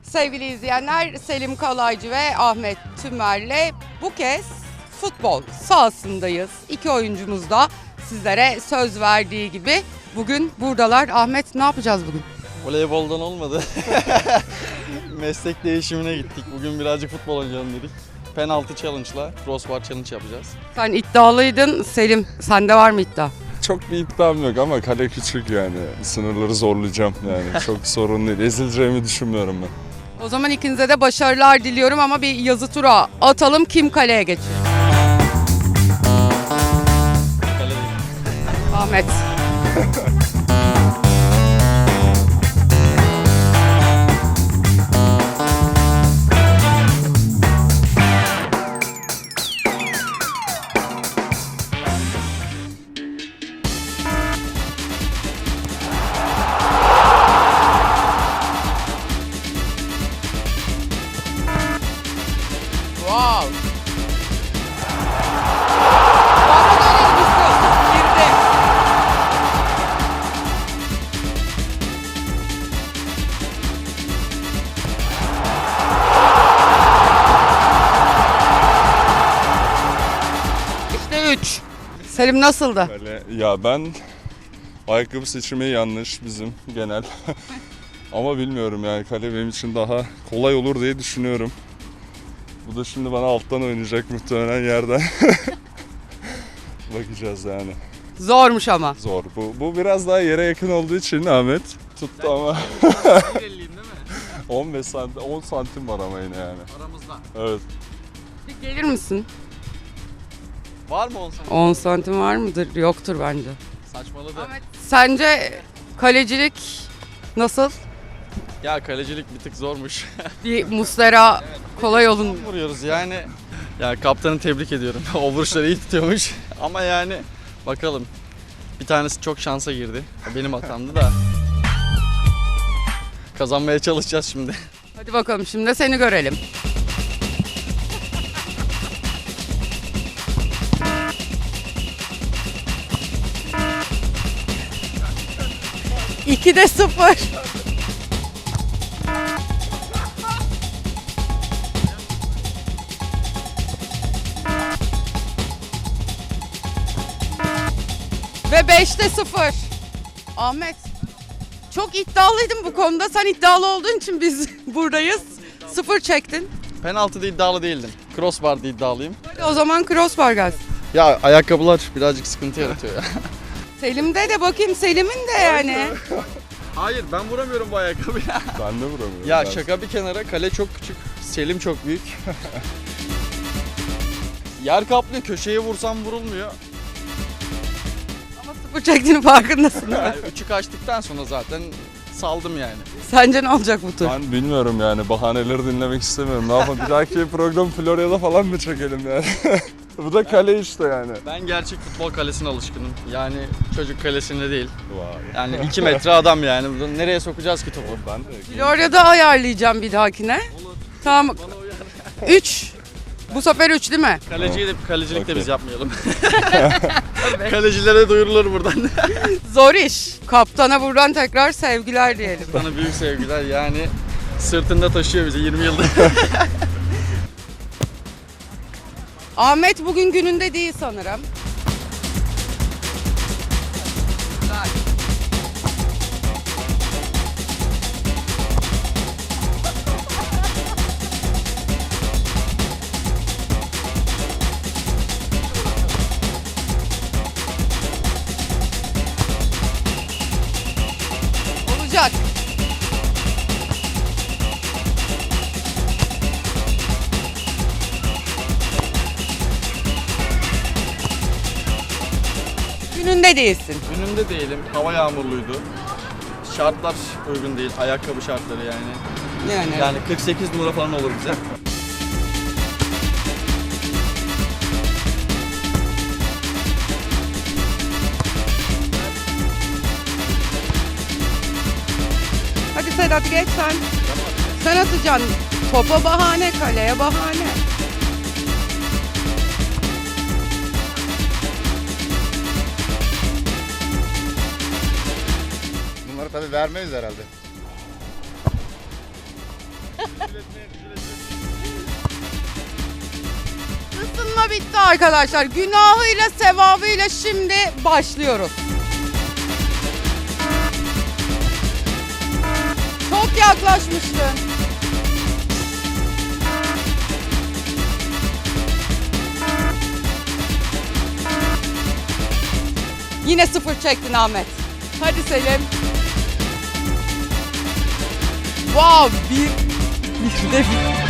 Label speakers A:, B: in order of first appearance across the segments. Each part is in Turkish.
A: Sevgili izleyenler, Selim Kalaycı ve Ahmet Tümer'le bu kez futbol sahasındayız. İki oyuncumuz da sizlere söz verdiği gibi bugün buradalar. Ahmet, ne yapacağız bugün?
B: Voleyboldan olmadı. Meslek değişimine gittik. Bugün birazcık futbol oynayalım dedik. Penaltı challenge'la crossbar challenge yapacağız.
A: Sen iddialıydın Selim. Sende var mı iddia?
C: Çok bir iddiam yok ama kale küçük yani. Sınırları zorlayacağım yani. Çok sorun değil. Ezileceğimi düşünmüyorum ben.
A: O zaman ikinize de başarılar diliyorum ama bir yazı tura atalım. Kim kaleye geçiyor?
B: Kale değil.
A: Ahmet. Wow. Bana dönelim istiyorsan. Girdi. İşte 3. Selim nasıldı?
C: Kale, ya ben ayakkabı seçimi yanlış bizim genel. Ama bilmiyorum yani kale benim için daha kolay olur diye düşünüyorum. Bu da şimdi bana alttan oynayacak muhtemelen yerden. Bakacağız yani.
A: Zormuş ama.
C: Zor. Bu biraz daha yere yakın olduğu için Ahmet tuttu ama
B: 1.50'yim değil mi?
C: 15 santim, 10 santim var ama yine yani.
B: Aramızda.
C: Evet.
A: Bir gelir misin?
B: Var mı 10 saniye?
A: 10 santim var mıdır? Yoktur bence.
B: Saçmaladı.
A: Sence kalecilik nasıl?
B: Ya kalecilik bir tık zormuş.
A: Bir Muslera kolay olun.
B: Vuruyoruz yani. Ya kaptanı tebrik ediyorum. O vuruşları iyi tutuyormuş. Ama yani bakalım. Bir tanesi çok şansa girdi. Benim hatamdı da. Kazanmaya çalışacağız şimdi.
A: Hadi bakalım şimdi de seni görelim. İkide 0. Ve 5'te 0. Ahmet, çok iddialıydın bu konuda. Sen iddialı olduğun için biz buradayız. 0 çektin.
B: Penaltıda iddialı değildim. Crossbar'da iddialıyım.
A: Hadi o zaman crossbar gelsin.
B: Ya ayakkabılar birazcık sıkıntı yaratıyor ya.
A: Selim'de de bakayım, Selim'in de yani.
B: Hayır ben vuramıyorum bu ayakkabıya.
C: Ben de vuramıyorum.
B: Ya
C: Ben-
B: şaka bir kenara, kale çok küçük. Selim çok büyük. Yer kaplıyor, köşeye vursam vurulmuyor.
A: Ama 0 çektiğinin farkındasın değil mi?
B: Yani üçü kaçtıktan sonra zaten saldım yani.
A: Sence ne olacak bu tur?
C: Ben bilmiyorum yani bahaneleri dinlemek istemiyorum. Ne yapalım bir dahaki program Florya'da falan mı çekelim yani? Bu da kale işte yani.
B: Ben gerçek futbol kalesine alışkınım. Yani çocuk kalesinde değil.
C: Vay.
B: Yani 2 metre adam yani. Burada nereye sokacağız ki topu?
C: Ben de
A: Florya'da ayarlayacağım bir dahakine. Tamam. 3. Bu sefer 3 değil mi?
B: Kalecilik de
C: Okey.
B: biz yapmayalım. Kalecilere duyurulur buradan.
A: Zor iş. Kaptana buradan tekrar sevgiler diyelim.
B: Sana büyük sevgiler yani. Sırtında taşıyor bizi 20 yıldır.
A: Ahmet bugün gününde değil sanırım. Olacak. Gününde değilsin.
B: Günümde değilim. Hava yağmurluydu. Şartlar uygun değil. Ayakkabı şartları yani. Yani 48 numara falan olur bize.
A: Hadi Sedat geç sen. Sen atacaksın. Topa bahane, kaleye bahane.
D: Bunları tabii vermeyiz herhalde.
A: Isınma bitti arkadaşlar. Günahıyla sevabıyla şimdi başlıyoruz. Çok yaklaşmıştın. Yine sıfır çektin Ahmet. Hadi Selim. Wow, bir de bir.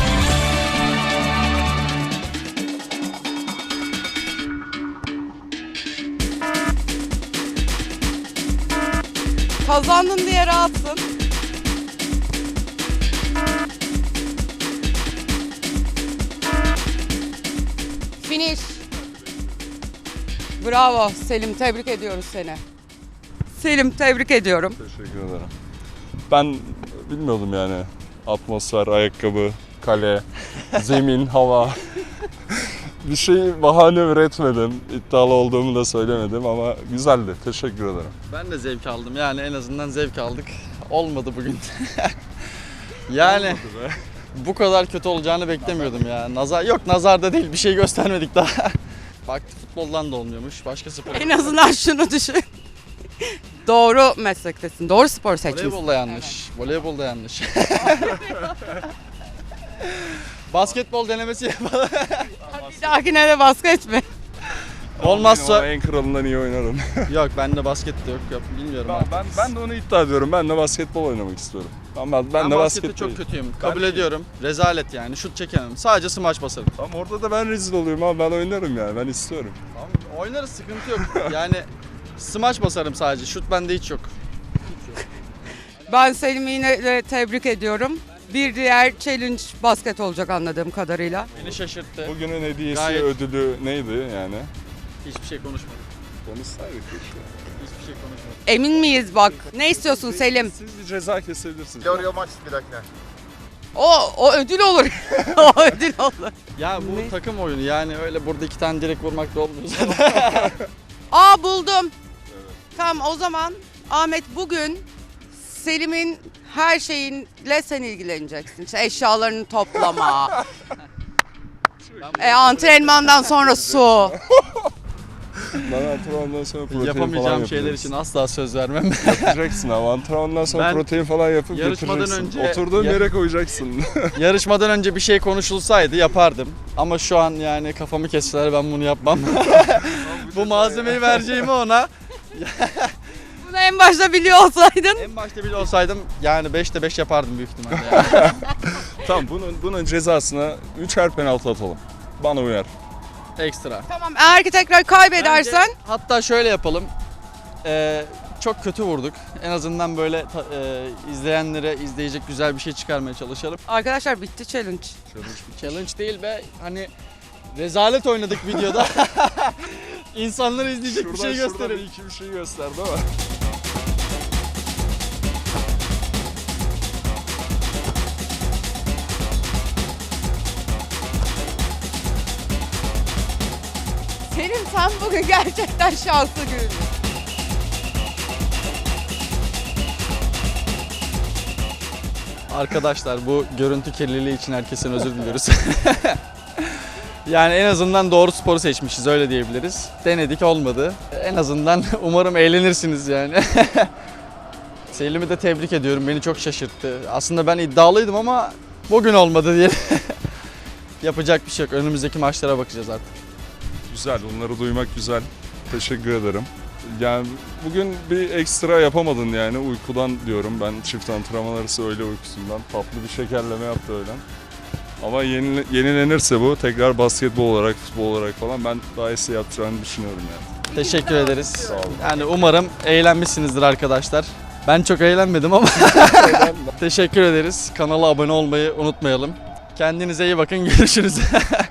A: Kazandın diye rahatsın. Finish. Bravo Selim, tebrik ediyoruz seni. Selim, tebrik ediyorum.
C: Teşekkür ederim. Ben bilmiyordum yani. Atmosfer, ayakkabı, kale, zemin, hava. Bir şey bahane üretmedim. İddialı olduğumu da söylemedim ama güzeldi. Teşekkür ederim.
B: Ben de zevk aldım yani en azından zevk aldık. Olmadı bugün. Yani bu kadar kötü olacağını beklemiyordum ya. Nazar da değil bir şey göstermedik daha. Baktı futboldan da olmuyormuş. Başka spor.
A: En azından şunu düşün. Doğru meslektesin, doğru spor seçmişsin.
B: Voleybolda yanlış. Voleybolda yanlış. Basketbol denemesi yapalım.
A: Bir dahakine de basket mi?
B: Olmazsa
C: Ama en kralından iyi oynarım.
B: yok bende basket de yok bilmiyorum.
C: Ben de onu iddia ediyorum. Ben de basketbol oynamak istiyorum. Ben de
B: Ben baskette
C: basket
B: çok
C: değil.
B: kötüyüm. Kabul ediyorum. Rezalet yani. Şut çekemem. Sadece smaç basarım.
C: Tamam orada da ben rezil oluyorum ama ben oynarım yani. Ben istiyorum.
B: Tamam, oynarız sıkıntı yok. Yani smaç basarım sadece. Şut bende hiç yok.
A: Ben Selim'i yine de tebrik ediyorum. Bir diğer challenge basket olacak anladığım kadarıyla.
B: Beni şaşırttı.
C: Bugünün hediyesi,
B: Gayet-
C: ödülü neydi yani?
B: Hiçbir şey konuşmadık.
C: Konuşsaydık keşke.
B: Hiçbir şey konuşmadık.
A: Emin miyiz bak? Ne istiyorsun Selim?
C: Siz bir ceza kesebilirsiniz.
D: Teoriye maç bir dakika.
A: O ödül olur. O ödül olur.
B: Ya bu
A: Ne?
B: takım oyunu yani öyle burada iki tane direkt vurmak da olmuyor zaten.
A: Aa buldum. Tamam o zaman Ahmet bugün Selim'in her şeyinle sen ilgileneceksin. İşte eşyalarını toplama. Antrenmandan sonra su.
C: Bana antrenmandan sonra protein falan
B: Yapamayacağım şeyler
C: yapacaksın.
B: için asla söz vermem.
C: Yapacaksın ama antrenmandan sonra
B: Ben
C: protein falan yapıp
B: yarışmadan
C: götüreceksin.
B: önce-
C: Oturduğun
B: Ya-
C: yere koyacaksın.
B: Yarışmadan önce bir şey konuşulsaydı yapardım. Ama şu an yani kafamı kesseler ben bunu yapmam. Bu malzemeyi vereceğimi ona.
A: Bunu en başta biliyor olsaydın.
B: En başta bile olsaydım yani 5'te 5 yapardım büyük ihtimalle. Yani.
C: Tamam bunun cezasına 3'er penaltı atalım. Bana uyar.
B: Ekstra.
A: Tamam eğer ki tekrar kaybedersen
B: Bence hatta şöyle yapalım. Çok kötü vurduk. En azından böyle izleyenlere izleyecek güzel bir şey çıkarmaya çalışalım.
A: arkadaşlar bitti challenge.
B: Challenge değil be. Hani rezalet oynadık videoda. İnsanlar izleyecek bir şey
C: Şuradan
B: gösterelim.
C: bir iki bir şey gösterdi ama.
A: Selim sen bugün gerçekten şanslı görünüyorsun.
B: Arkadaşlar bu görüntü kirliliği için herkesten özür diliyoruz. Yani en azından doğru sporu seçmişiz öyle diyebiliriz. Denedik olmadı. En azından umarım eğlenirsiniz yani. Selim'i de tebrik ediyorum. Beni çok şaşırttı. Aslında ben iddialıydım ama bugün olmadı diye. Yapacak bir şey yok. Önümüzdeki maçlara bakacağız artık.
C: Güzel, onları duymak güzel. Teşekkür ederim. Yani bugün bir ekstra yapamadın yani uykudan diyorum. Ben çift antrenman arası öğle uykusundan tatlı bir şekerleme yaptı öğlen. Ama yenilenirse bu tekrar basketbol olarak, futbol olarak falan ben daha iyisi yapacağını düşünüyorum yani.
B: Teşekkür ederiz.
C: Sağ olun.
B: Yani umarım eğlenmişsinizdir arkadaşlar. Ben çok eğlenmedim ama teşekkür ederiz. Kanala abone olmayı unutmayalım. Kendinize iyi bakın. Görüşürüz.